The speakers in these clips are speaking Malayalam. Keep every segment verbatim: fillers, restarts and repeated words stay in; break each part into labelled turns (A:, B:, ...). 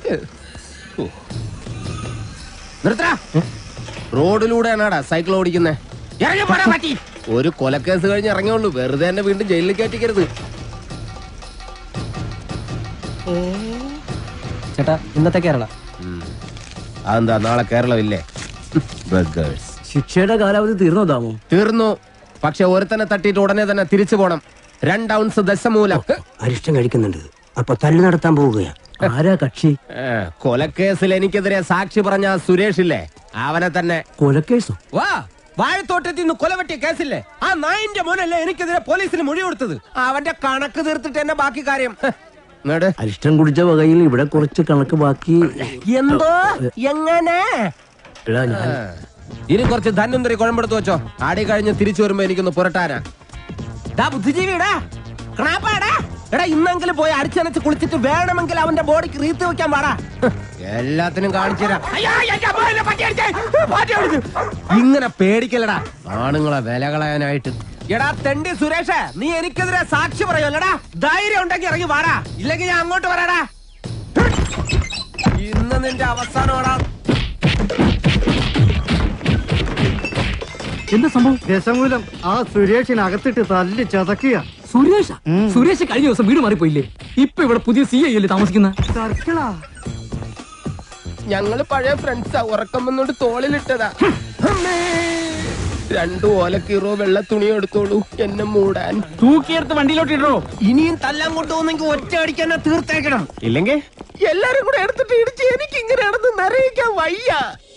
A: നിക്ക്. നിർത്തടാ. റോഡിലൂടെയാണാടാ സൈക്കിൾ ഓടിക്കുന്നേ. ഒരു കൊലക്കേസ് കഴിഞ്ഞ് ഇറങ്ങിയുള്ളൂ. വെറുതെ എന്നെ വീണ്ടും ജയിലിൽ കയറ്റിക്കരുത്.
B: ചേട്ടാ ഇന്നത്തെ കേരള
A: അതെന്താ നാളെ കേരളമില്ലേ?
B: ശിക്ഷയുടെ കാലാവധി തീർന്നോ ദാമു?
A: തീർന്നു. പക്ഷെ ഒരുത്തനെ തട്ടിയിട്ട് ഉടനെ തന്നെ തിരിച്ചു പോണം. രണ്ട് ഔൺസ് ദശമൂലം
B: അരിഷ്ടം കഴിക്കുന്നുണ്ട്. അപ്പൊ തല്ലു നടത്താൻ പോവുകയാ. ആരാ കക്ഷി?
A: കൊലക്കേസിൽ എനിക്കെതിരെ സാക്ഷി പറഞ്ഞ സുരേഷില്ലേ, അവനെ തന്നെ.
B: കൊലക്കേസോ?
A: വാ, വാഴത്തോട്ടത്തിൽ നിന്ന് കൊലവെട്ടിയ കേസില്ലേ, ആ നായിന്റെ മോനല്ലേ എനിക്കെതിരെ പോലീസിന് മൊഴി കൊടുത്തത്. അവന്റെ കണക്ക് തീർത്തിട്ട് എന്നെ ബാക്കി കാര്യം.
B: അരിഷ്ടം കുടിച്ച വകയിൽ ഇവിടെ കുറച്ച് കണക്ക് ബാക്കി.
A: എന്തോ എങ്ങനെ? ഇനി കുറച്ച് ധന്വന്തരി കുഴമ്പെടുത്ത് വെച്ചോ. ആടി കഴിഞ്ഞ് തിരിച്ചു വരുമ്പോ എനിക്കൊന്ന് പുരട്ടാനാ. ബുദ്ധിജീവിടാ ക്രാപ്പാടാ. എടാ ഇന്നെങ്കിലും പോയി അടിച്ചനച്ച് കുളിച്ചിട്ട് വേണമെങ്കിൽ അവന്റെ ബോഡിക്ക് റീത്ത് വെക്കാൻ പാടാ. എല്ലാത്തിനും കാണിച്ചു തരാം. ഇങ്ങനെ പേടിക്കലടാ ആണുങ്ങളെ വില കളയാനായിട്ട്. എടാ തെണ്ടി സുരേഷ്, നീ എനിക്കെതിരെ സാക്ഷി പറയുമല്ലടാ. ധൈര്യം ഉണ്ടെങ്കിൽ ഇറങ്ങി വാടാ, ഇല്ലെങ്കിൽ ഞാൻ അങ്ങോട്ട് വരാടാ. ഇന്ന് നിന്റെ അവസാനമാടാ.
B: എന്താ സംഭവം?
C: ദശമൂലം ആ സുരേഷിനകത്തിട്ട് തല്ലി ചതക്കുക.
B: സുരേഷ സുരേഷ് കഴിഞ്ഞ ദിവസം വീട് മാറിപ്പോയില്ലേ? ഇപ്പൊ ഇവിടെ പുതിയ സി ഐ അല്ലേ താമസിക്കുന്ന?
C: സർക്കിളാ.
A: ഞങ്ങള് പഴയ ഫ്രണ്ട്സാ. ഉറക്കം വന്നോണ്ട് തോളിലിട്ടതാ. രണ്ടു ഓലക്കീറോ വെള്ള തുണി എടുത്തോളൂ എന്നെ മൂടാൻ.
B: തൂക്കിയെടുത്ത് വണ്ടിയിലോട്ട് ഇടോ.
A: ഇനിയും തല്ലാൻ കൊണ്ടുപോകുന്നെങ്കിൽ ഒറ്റ അടിക്കാൻ തീർത്തേക്കണം. ഇല്ലെങ്കിൽ എല്ലാരും കൂടെ എടുത്തിട്ട് ഇടിച്ച് എനിക്ക് ഇങ്ങനെയാണെന്ന് നിറയിക്കാൻ വയ്യ.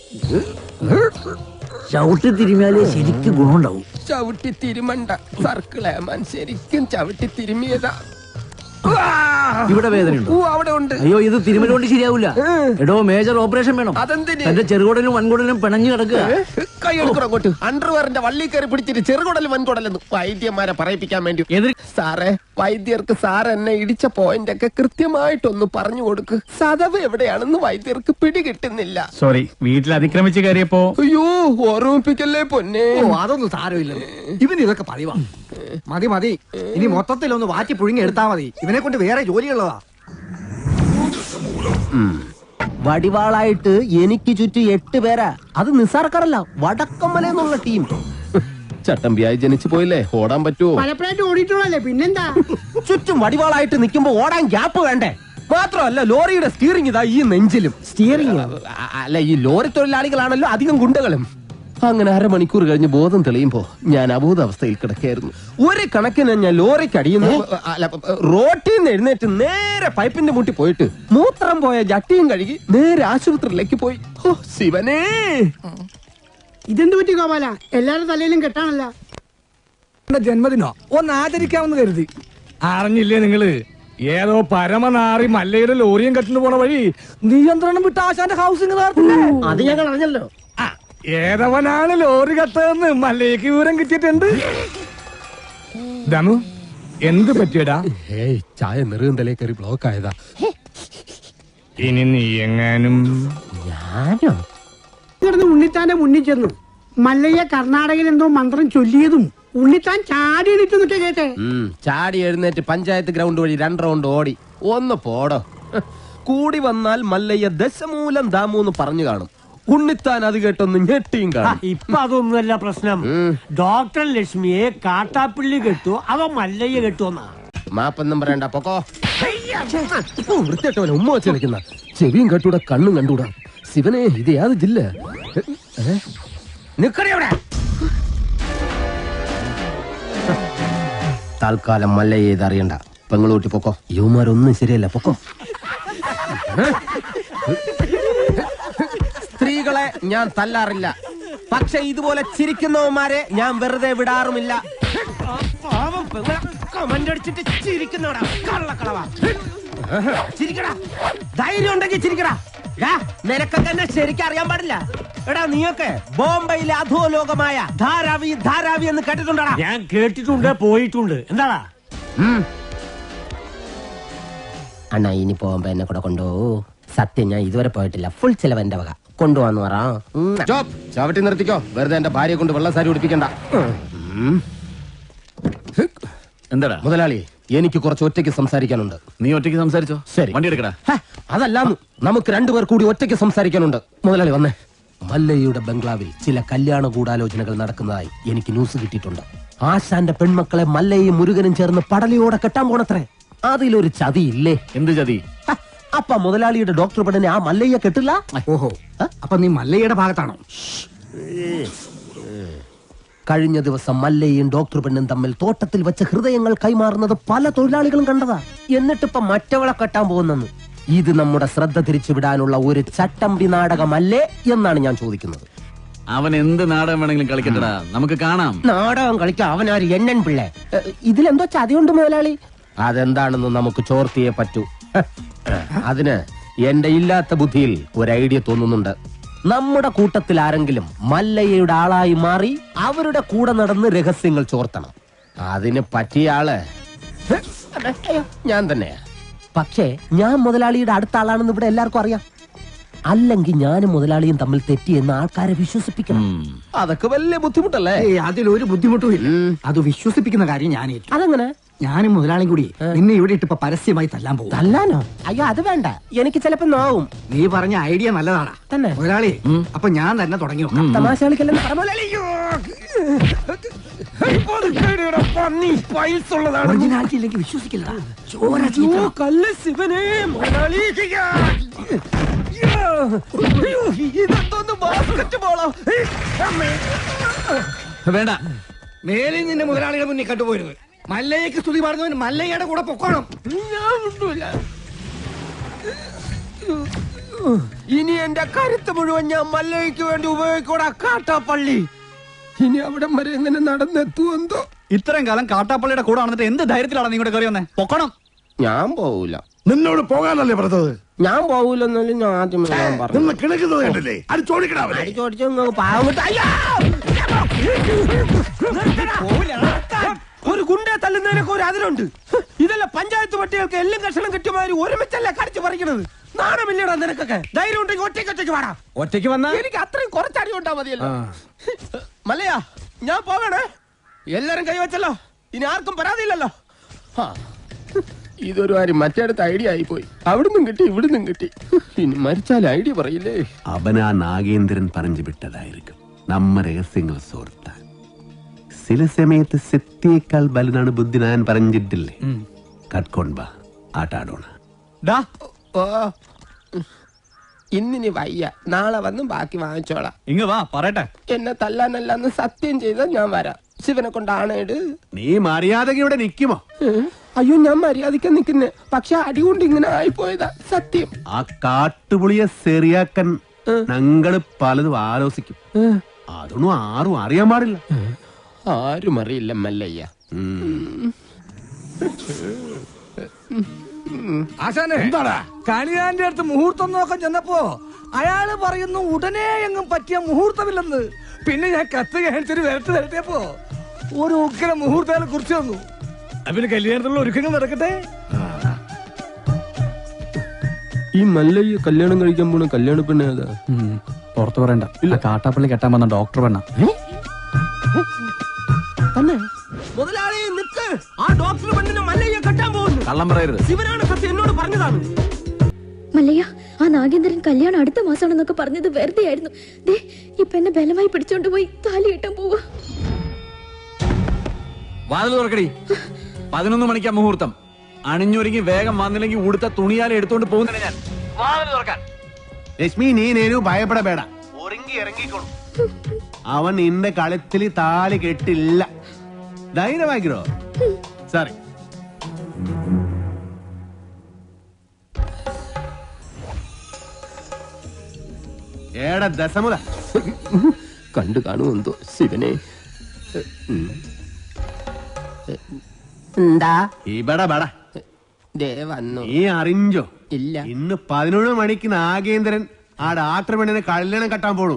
B: ചവിട്ടി തിരുമിയാലേ ശരിക്ക് ഗുണമുണ്ടാവും.
A: ചവിട്ടി തിരുമണ്ട സർക്കിളേമാൻ, ശരിക്കും ചവിട്ടി തിരുമിയതാ.
B: ഇവിടെ വേദനയുണ്ടോ?
A: അവിടെ ഉണ്ട്.
B: അയ്യോ, ഇത് തിരുമല കൊണ്ട് ശരിയാവൂല. എടോ, മേജർ ഓപ്പറേഷൻ വേണം.
A: അതെന്തിന്?
B: എന്റെ ചെറുകുടലും വൻകുടലും പിണഞ്ഞു കിടക്കുക.
A: കൈ എടുക്കണം അങ്ങോട്ട്. അണ്ടർവെയറിന്റെ വള്ളി കയറി പിടിച്ചിട്ട് ചെറുകുടലും വൻകുടലെന്ന് വൈദ്യന്മാരെ പറയിപ്പിക്കാൻ വേണ്ടി. സാറേ, വൈദ്യർക്ക് സാർ എന്നെ ഇടിച്ച പോയിന്റ് ഒക്കെ കൃത്യമായിട്ടൊന്ന് പറഞ്ഞു കൊടുക്ക്. സദവ് എവിടെയാണെന്ന് വൈദ്യർക്ക് പിടികിട്ടുന്നില്ല.
D: സോറി, വീട്ടിൽ അതിക്രമിച്ച് കയറിയപ്പോ.
A: അയ്യോ, ഓർമ്മിപ്പിക്കല്ലേ പൊന്നെ.
C: അതൊന്നും സാരമില്ല. ഇവന് ഇതൊക്കെ പറയുവാ. മതി മതി, ഇനി മൊത്തത്തിലൊന്ന് വാറ്റി പുഴുങ്ങി എടുത്താ മതി. ഇവനെ കൊണ്ട് വേറെ ജോലിയുള്ളതാ.
A: വടിവാളായിട്ട് എനിക്ക് ചുറ്റും എട്ട് പേരാ. അത് നിസാർക്കാരല്ല, വടക്കമ്മല എന്നുള്ള ടീം. ചട്ടമ്പിയായി ജനിച്ചു പോയില്ലേ, ഓടാൻ പറ്റുമോ?
C: പലപ്പോഴായിട്ട് ഓടിയിട്ടുള്ളല്ലേ, പിന്നെന്താ?
A: ചുറ്റും വടിവാളായിട്ട് നിൽക്കുമ്പോ ഓടാൻ ഗ്യാപ്പ് വേണ്ടേ? മാത്രമല്ല, ലോറിയുടെ സ്റ്റിയറിംഗ് ഇതാ ഈ നെഞ്ചിലും.
B: സ്റ്റിയറിംഗ്
A: അല്ല, ഈ ലോറി തൊഴിലാളികളാണല്ലോ അധികം ഗുണ്ടകളും. അങ്ങനെ അരമണിക്കൂർ കഴിഞ്ഞ് ബോധം തെളിയുമ്പോ ഞാൻ അബോധാവസ്ഥയിൽ കിടക്കായിരുന്നു. ഒരു കണക്കിന് ഞാൻ ലോറിക്ക് അടിയുന്നു. അല്ല, റോട്ടിൽ നിന്ന് എഴുന്നേറ്റ് നേരെ പൈപ്പിന്റെ മുട്ടി പോയിട്ട് മൂത്രം പോയ ജട്ടിയും കഴുകി നേരെ ആശുപത്രിയിലേക്ക് പോയി. ഓ ശിവനേ,
C: ഇതെന്ത് പറ്റി ഗോപാല? എല്ലാരും തലയിലും കെട്ടാണല്ല.
D: ജന്മദിനോ ഒന്ന് ആചരിക്കാമെന്ന് കരുതി. അറിഞ്ഞില്ലേ നിങ്ങള്? ഏതോ പരമനാറി മല്ലയുടെ ലോറിയും കെട്ടിന് പോണ വഴി നിയന്ത്രണം വിട്ട ആശാന്റെ ഹൗസിംഗ്
B: അത് ഞങ്ങൾ അറിഞ്ഞല്ലോ.
D: ഏതവനാണ് ലോറി കത്തതെന്ന് മല്ലയ്ക്ക് വിവരം കിട്ടിയിട്ടുണ്ട്. ദമു, എന്ത് പറ്റിയടാ?
A: ഏയ്, ചായ നെറുകന്തലേ കയറി ബ്ലോക്ക് ആയതാ.
D: ഇനി നീ എങ്ങാനും.
A: ഞാനോ?
C: ഉണ്ണിത്താന്റെ മുന്നിൽ ചെന്നു. മല്ലയ്യ കർണാടകയിൽ എന്തോ മന്ത്രം ചൊല്ലിയതും ഉണ്ണിത്താൻ ചാടി എണീറ്റ് നിൽക്കുക കേട്ടെ.
A: ചാടി എഴുന്നേറ്റ് പഞ്ചായത്ത് ഗ്രൗണ്ട് വഴി രണ്ട് റൗണ്ട് ഓടി. ഒന്ന് പോടോ. കൂടി വന്നാൽ മല്ലയ്യ ദശമൂലം ദാമൂന്ന് പറഞ്ഞു കാണും. ഉണ്ണിത്താൻ അത് കേട്ടൊന്ന് ഞെട്ടിയും കാണും.
E: ഇപ്പൊ അതൊന്നുമല്ല പ്രശ്നം. ഡോക്ടർ ലക്ഷ്മിയെ കാട്ടാപ്പിള്ളി കെട്ടു, അവ മല്ലയ്യ കെട്ടുവന്നാ.
A: മാപ്പൊന്നും പറയണ്ട, പൊക്കോ. വൃത്തിയായിട്ടവനെ ഉമ്മ വെച്ച് കളിക്കുന്ന. ചെവിയും കെട്ടൂടാ, കണ്ണും കണ്ടൂടാ. ശിവനെ, ഇത് യാത് ജില്ല? നിക്കടെ. തൽക്കാലം മല്ലയ്യ ഇത് അറിയണ്ട. പെങ്ങളൂട്ടി പൊക്കോ. യുവമാരൊന്നും ശരിയല്ല, പൊക്കോ. സ്ത്രീകളെ ഞാൻ തല്ലാറില്ല, പക്ഷെ ഇതുപോലെ ചിരിക്കുന്നവന്മാരെ ഞാൻ വെറുതെ വിടാറുമില്ല. കമന്റടിച്ചിട്ട് ചിരിക്കുന്നവടാ കള്ളക്കളവാ. ചിരിക്കടാ, ധൈര്യം ഉണ്ടെങ്കിൽ ചിരിക്കടാ. നിനക്കൊക്കെ എന്നെ ശരിക്കും അറിയാൻ പാടില്ല. എടാ, നീയൊക്കെ ബോംബെയിലെ അധോലോകമായ ധാരാവി ധാരാവി എന്ന് കേട്ടിട്ടുണ്ടാ?
E: ഞാൻ കേട്ടിട്ടുണ്ട്, പോയിട്ടുണ്ട്. എന്താടാ
A: അണ്ണാ, ഇനി പോകുമ്പോ എന്നെ കൂടെ കൊണ്ടുപോകൂ. സത്യം, ഞാൻ ഇതുവരെ പോയിട്ടില്ല. ഫുൾ ചെലവ് എന്റെ വക. കൊണ്ടുപോവാന്ന് പറ. ചവിട്ടി നിർത്തിക്കോ. വെറുതെ എന്റെ ഭാര്യയെ കൊണ്ട് വെള്ള സാരി ഉടുപ്പിക്കണ്ട.
D: എന്താടാ
A: മുതലാളി, എനിക്ക് കുറച്ച് ഒറ്റയ്ക്ക് സംസാരിക്കാനുണ്ട്.
F: നീ ഒറ്റയ്ക്ക് സംസാരിച്ചോ.
A: ശരി,
F: വണ്ടി എടുക്കടാ.
A: അതല്ലാന്ന് നമുക്ക് രണ്ടുപേർ കൂടി ഒറ്റയ്ക്ക് സംസാരിക്കാനുണ്ട്. മുതലാളി വന്നേ. മല്ലയ്യയുടെ ബംഗ്ലാവിൽ ചില കല്യാണ ഗൂഢാലോചനകൾ നടക്കുന്നതായി എനിക്ക് ന്യൂസ് കിട്ടിയിട്ടുണ്ട്. ആശാന്റെ പെൺമക്കളെ മല്ലയും മുരുകനും ചേർന്ന് പടലിയോടെ കെട്ടാൻ പോണത്രേ. അതിലൊരു ചതി ഇല്ലേ?
F: എന്ത് ചതി?
A: അപ്പ മുതലാളിയുടെ ഡോക്ടർ പെണ്ണിനെ ആ മല്ലയ്യ കെട്ടില്ല.
B: ഓഹോ, അപ്പൊ നീ മല്ലയുടെ ഭാഗത്താണോ?
A: കഴിഞ്ഞ ദിവസം മല്ലയും ഡോക്ടർ പെണ്ണും തമ്മിൽ തോട്ടത്തിൽ വെച്ച് ഹൃദയങ്ങൾ കൈമാറുന്നത് പല തൊഴിലാളികളും കണ്ടതാ. എന്നിട്ടിപ്പൊ മറ്റവളെ കെട്ടാൻ പോകുന്നെന്ന്. ഇത് നമ്മുടെ ശ്രദ്ധ തിരിച്ചുവിടാനുള്ള ഒരു ചട്ടമ്പി നാടകമല്ലേ എന്നാണ് ഞാൻ ചോദിക്കുന്നത്.
F: അവൻ എന്ത് നാടകം വേണമെങ്കിലും കളിക്കട്ടടാ, നമുക്ക് കാണാം.
A: നാടകം കളിക്കാൻ അവനാര് എണ്ണൻ പിള്ളേ. ഇതിലെന്തോ ചതിയുണ്ട് മുതലാളി. അതെന്താണെന്ന് നമുക്ക് ചോർത്തിയേ പറ്റൂ. അതിന് എന്റെ ഇല്ലാത്ത ബുദ്ധിയിൽ ഒരു ഐഡിയ തോന്നുന്നുണ്ട്. നമ്മുടെ കൂട്ടത്തിൽ ആരെങ്കിലും മല്ലയ്യയുടെ ആളായി മാറി അവരുടെ കൂടെ നടന്ന് രഹസ്യങ്ങൾ ചോർത്തണം. അതിന് പറ്റിയ ആള് ഞാൻ തന്നെയാ. പക്ഷേ ഞാൻ മുതലാളിയുടെ അടുത്ത ആളാണെന്ന് ഇവിടെ എല്ലാവർക്കും അറിയാം. അല്ലെങ്കിൽ ഞാനും മുതലാളിയും തമ്മിൽ തെറ്റിയെന്ന് ആൾക്കാരെ വിശ്വസിപ്പിക്കണം. അതൊക്കെ വലിയ ബുദ്ധിമുട്ടല്ലേ?
B: അതിലൊരു ബുദ്ധിമുട്ടും ഇല്ല. അത് വിശ്വസിപ്പിക്കുന്ന കാര്യം ഞാൻ ഏറ്റു.
A: അതെങ്ങനെ?
B: ഞാനും മുതലാളിയും കൂടി നിന്നെ ഇവിടെ ഇട്ട് പരസ്യമായി തല്ലാൻ പോകും.
A: തല്ലാനോ? അയ്യോ, അത് വേണ്ട. എനിക്ക് ചിലപ്പോ നോവും.
B: നീ പറഞ്ഞ ഐഡിയ നല്ലതാണ്
A: തന്നെ
B: മുതലാളി. അപ്പൊ ഞാൻ തന്നെ തുടങ്ങി നോക്കാം.
A: തമാശ കളിക്കല്ലെന്ന് പറ മുതലാളി.
B: ഒറിജിനാലിറ്റി ഇല്ലെങ്കിൽ വിശ്വസിക്കില്ല. ചോര ചീത്ത.
A: കല്ല് ശിവനെ മുതലാളി. ഇതെന്തോന്ന് ബാസ്കറ്റ് ബോളോ?
F: വേണ്ട,
D: മേലിൽ നിന്റെ മുതലാളിയുടെ മുന്നിൽ കണ്ടുപോയിരുന്നു. മല്ലയ്യക്ക് സ്തുതി പറഞ്ഞവൻ മല്ലയ്യയുടെ കൂടെ പൊക്കോണം.
A: ഇനി എന്റെ കരുത്ത് മുഴുവൻ ഞാൻ മല്ലയ്ക്ക് വേണ്ടി ഉപയോഗിക്കൂടാ. കാട്ടാപ്പള്ളി ഇനി അവിടം വരെ എങ്ങനെ നടന്നെത്തുമെന്തോ.
F: ഇത്രയും കാലം കാട്ടാപ്പള്ളിയുടെ കൂടെ നടന്നിട്ട് എന്ത് ധൈര്യത്തിലാണ് നീ കൂടെ കയറി വന്നേ? പൊക്കണം.
A: ഞാൻ പോവൂല.
G: നിന്നോട് പോകാനല്ലേ പറഞ്ഞത്?
A: ഞാൻ പോവൂലെന്നാലും ഞാൻ ആദ്യമേ ഞാൻ പറഞ്ഞു.
G: നിന്ന് കിണക്കുന്നത് കണ്ടില്ലേ? അത് ചോദിക്കണാവല്ലേ?
A: ചോദിച്ചു പാവം കിട്ടാ. ഒരു ഗുണ്ടെ തല്ലുന്നതിനൊക്കെ ഒരു അതിലുണ്ട്. ഇതല്ല പഞ്ചായത്ത് പട്ടികൾക്ക് എല്ലാം കഷണം കിട്ടിയമാതിരി ഒരുമിച്ചല്ല കടിച്ചു പറിക്കണത്. നാണമില്ലടാ നിനക്കൊക്കെ. ധൈര്യം ഉണ്ടെങ്കിൽ ഒറ്റയ്ക്ക് ഒറ്റയ്ക്ക് വാടാ.
D: ഒറ്റയ്ക്ക് വന്നാ
A: എനിക്ക് അത്രയും കുറച്ചടി കൊണ്ടാ മതിയല്ലോ. മല്ലയാ, ഞാൻ പോകണേ. എല്ലാരും കൈവച്ചല്ലോ. ഇനി ആർക്കും പരാതിയില്ലല്ലോ. ഇതൊരു കാര്യം മറ്റേടത്ത് ഐഡിയ ആയി പോയി. അവിടുന്നും കിട്ടി ഇവിടുന്നും കിട്ടി. ഇനി മരിച്ചാൽ ഐഡിയ പറയില്ലേ?
H: അവനാ നാഗേന്ദ്രൻ പറഞ്ഞു വിട്ടതായിരിക്കും നമ്മ രഹസ്യങ്ങൾ സോർത്താൻ. ചില സമയത്ത് സത്യേക്കാൾ ബലനാണ് ബുദ്ധി. ഞാൻ പറഞ്ഞിട്ടില്ലേ? കട്ട്കൊണ്ടാ ആട്ടാടോണ.
A: ഇന്നിനി വയ്യ, നാളെ വന്ന് ബാക്കി വാങ്ങിച്ചോളാം.
F: ഇങ്ങ വാ പറയട്ടെ.
A: എന്നെ തല്ലാനല്ലാന്ന് സത്യം ചെയ്താൽ ഞാൻ വരാം. ശിവനെ കൊണ്ടാണേട്.
H: നീ മര്യാദക്ക് ഇവിടെ നിക്കുമോ?
A: അയ്യോ, ഞാൻ മര്യാദയ്ക്ക് നിക്കുന്നേ. പക്ഷെ അടികൊണ്ട് ഇങ്ങനെ ആയിപ്പോയതാ സത്യം.
H: ആ കാട്ടുപുളിയെ ശരിയാക്കാൻ ഞങ്ങള് പലതും ആലോചിക്കും. അതൊന്നും ആരും അറിയാൻ പാടില്ല.
A: ആരും അറിയില്ല മല്ലയ്യ.
D: ആശാനെ,
G: എന്താടാ?
D: കണിയാന്റെ അടുത്ത് മുഹൂർത്തം നോക്കാൻ ചെന്നപ്പോ അയാള് പറയുന്നു ഉടനെ എങ്ങും പറ്റിയ മുഹൂർത്തമില്ലെന്ന്. പിന്നെ ഞാൻ കത്ത് കാണിച്ചൊരു വരട്ട് വരട്ടിയപ്പോ ഒരു ഉഗ്ര മുഹൂർത്തങ്ങളെ കുറിച്ച് തന്നു. പിന്നെ കല്യാണത്തിലുള്ള ഒരുക്കങ്ങൾ നടക്കട്ടെ.
A: ഈ മല്ലയ്യ കല്യാണം കഴിക്കാൻ പോണ കല്യാണ പെണ്ണ ഏതാ?
B: പുറത്തു പറയണ്ട. ഇല്ല, കാട്ടാപ്പള്ളി കെട്ടാൻ വന്ന ഡോക്ടർ പെണ്ണ.
A: തന്നെ മുതലാളി നിക്ക്. ആ ഡോക്ടർ പെണ്ണിനെ മല്ലയ്യ കെട്ടാൻ പോകുന്നു.
F: കള്ളം പറയരുത്.
A: ശിവനാണ് സത്യം എന്നോട് പറഞ്ഞതാണ്.
I: മല്ലയ്യ, ആ നാഗേന്ദ്രൻ കല്യാണം അടുത്ത മാസമാണെന്നൊക്കെ പറഞ്ഞത് വെറുതെ ആയിരുന്നു. ദേ ഇപ്പൊ എന്നെ ബലമായി പിടിച്ചോണ്ട് പോയി താലി കെട്ടാൻ പോവാ.
F: വാതിൽ തുറക്കടി. പതിനൊന്ന് മണിക്കാ മുഹൂർത്തം. അണിഞ്ഞൊരുങ്ങി വേഗം വന്നില്ലെങ്കിൽ ഉടുത്ത തുണിയാല എടുത്തോണ്ട് പോകുന്നില്ല ഞാൻ. വാതിൽ തുറക്കാൻ.
H: ലക്ഷ്മി, നീ നേരു ഭയപ്പെടಬೇಡ. ഒരുങ്ങി ഇറങ്ങിക്കോളൂ. അവൻ നിന്റെ കളത്തിൽ താലി കെട്ടില്ല. ധൈര്യമാക്കിരോ. സോറി. ഏടാ ദശമുല
A: കണ്ടു കാണുമെന്തോ ശിവനെ. എന്താ
H: ഇവിടെ ബട
A: ദേ വന്നു.
H: നീ അറിഞ്ഞോ?
A: ഇല്ല.
H: ഇന്ന് പതിനൊന്ന് മണിക്ക് നാഗേന്ദ്രൻ ആ ഡാക്ടർ പെണ്ണിനെ കല്യാണം കെട്ടാൻ പോണു.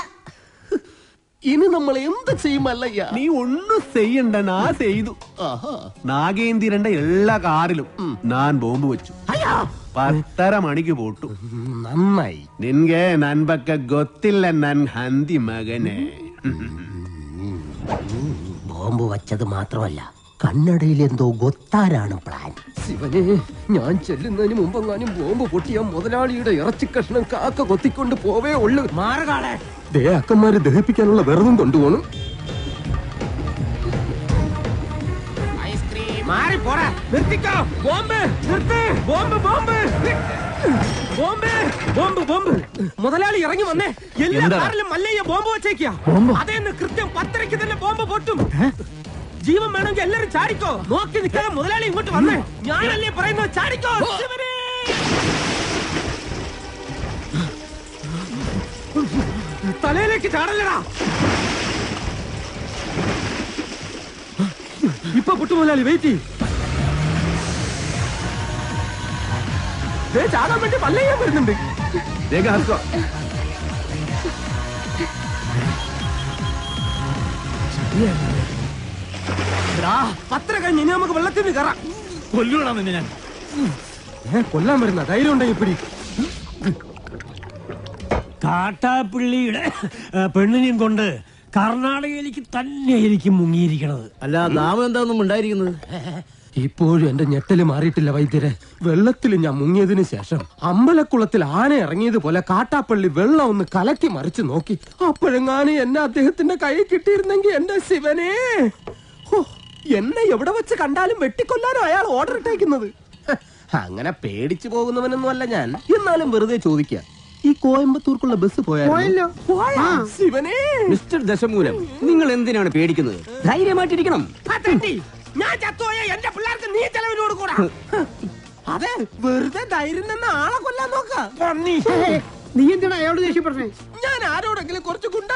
A: ഇനി നമ്മൾ എന്ത് ചെയ്യുമല്ലയ്യ?
H: നീ ഒന്നും ചെയ്യണ്ട, നാ ചെയ്തു. നാഗേന്ദ്രന്റെ എല്ലാ കാറിലും ഞാൻ ബോംബ് വെച്ചു. പത്തര മണിക്ക് പോട്ടു.
A: നന്നായി.
H: നിൻಗೆ ನನ್ ಬಗ್ಗೆ ಗೊತ್ತಿಲ್ಲ ನನ್ ಹಂದಿ ಮಗನೇ.
A: ബോംബ് വച്ചത് മാത്രമല്ല കണ്ണടയിൽ എന്തോ ഗൊത്താരാണ് പ്ലാൻ. ശിവനെ, ഞാൻ ചെല്ലുന്നതിന് മുമ്പെങ്ങാനും ബോംബ് പൊട്ടിയ മുതലാളിയുടെ ഇറച്ചി കഷ്ണം കാക്ക കൊത്തിക്കൊണ്ട് പോവേ ഉള്ളു. മാറുകാളെ ദേ അക്കന്മാരെ ദഹിപ്പിക്കാനുള്ള വെറുതും കൊണ്ടുപോകണം. മാറി പോടാ, നിർത്തിക്കോ. ബോംബ് നിർത്ത്, bomb bomb bomb bomb bomb. മുതലാളി ഇറങ്ങി വന്നേ. എല്ലാ കാറിലും മല്ലയ്യ ബോംബ് വെച്ചേക്കാ. അതേന്ന് കൃത്യം പത്തരയ്ക്ക് തന്നെ ബോംബ് പൊട്ടും. ജീവൻ വേണമെങ്കിൽ എല്ലാരും ചാടിക്കോ. നോക്കി നിൽക്കാതെ മുതലാളി ഇങ്ങോട്ട് വന്നേ. ഞാനല്ലേ പറയുന്നത്, ചാടിക്കോ. തലയിലേക്ക് ചാടല്ലടാ. ഇപ്പൊ പൊട്ടു മുതലാളി, വെയിറ്റ്. ചാടാൻ വേണ്ടി മല്ലയ്യ വരുന്നുണ്ട്. പത്ര കഴിഞ്ഞ് ഇനി നമുക്ക് വെള്ളത്തിൽ നിന്ന് കയറാം.
F: കൊല്ലൂടാ നിന്നെ ഞാൻ.
A: കൊല്ലാൻ വരുന്ന ധൈര്യം ഉണ്ടെങ്കിൽ പിടി.
E: കാട്ടാപ്പിള്ളിയുടെ പെണ്ണിനെയും കൊണ്ട് കർണാടകയിലേക്ക് തന്നെയായിരിക്കും മുങ്ങിയിരിക്കണത്.
B: അല്ല, നാമം എന്താണെന്നും ഉണ്ടായിരിക്കുന്നത്?
A: ഇപ്പോഴും എന്റെ ഞെട്ടല് മാറിയിട്ടില്ല വൈദ്യരെ. വെള്ളത്തിൽ ഞാൻ മുങ്ങിയതിനു ശേഷം അമ്പലക്കുളത്തിൽ ആന ഇറങ്ങിയതുപോലെ കാട്ടാപ്പള്ളി വെള്ളം ഒന്ന് കലക്കി മറിച്ചു നോക്കി. അപ്പോഴെങ്ങാനും എന്നെ അദ്ദേഹത്തിന്റെ കൈ കിട്ടിയിരുന്നെങ്കിൽ എന്റെ ശിവനെ, എന്നെ എവിടെ വെച്ച് കണ്ടാലും വെട്ടിക്കൊല്ലാനോ അയാൾ ഓർഡർ ഇട്ടേക്കുന്നത്. അങ്ങനെ പേടിച്ചു പോകുന്നവനൊന്നും അല്ല ഞാൻ. എന്നാലും വെറുതെ ചോദിക്ക, ഈ കോയമ്പത്തൂർക്കുള്ള ബസ് പോയാലോ? ശിവനെ,
B: മിസ്റ്റർ ദശമൂലം, നിങ്ങൾ എന്തിനാണ് പേടിക്കുന്നത്? ധൈര്യമായിട്ടിരിക്കണം.
A: ഞാൻ ചത്തോയ എന്റെ പിള്ളേർക്ക് നീ ചെലവിന് കൊടുക്കൂടാ. അതെ, വെറുതെ ധൈര്യം നിന്ന് ആളെ കൊല്ലാൻ നോക്ക.
C: നീ എന്തിനാ അയാളോട് ദേഷ്യപ്പെട്ടേ?
A: ഞാൻ ആരോടെങ്കിലും കുറച്ച് ഗുണ്ട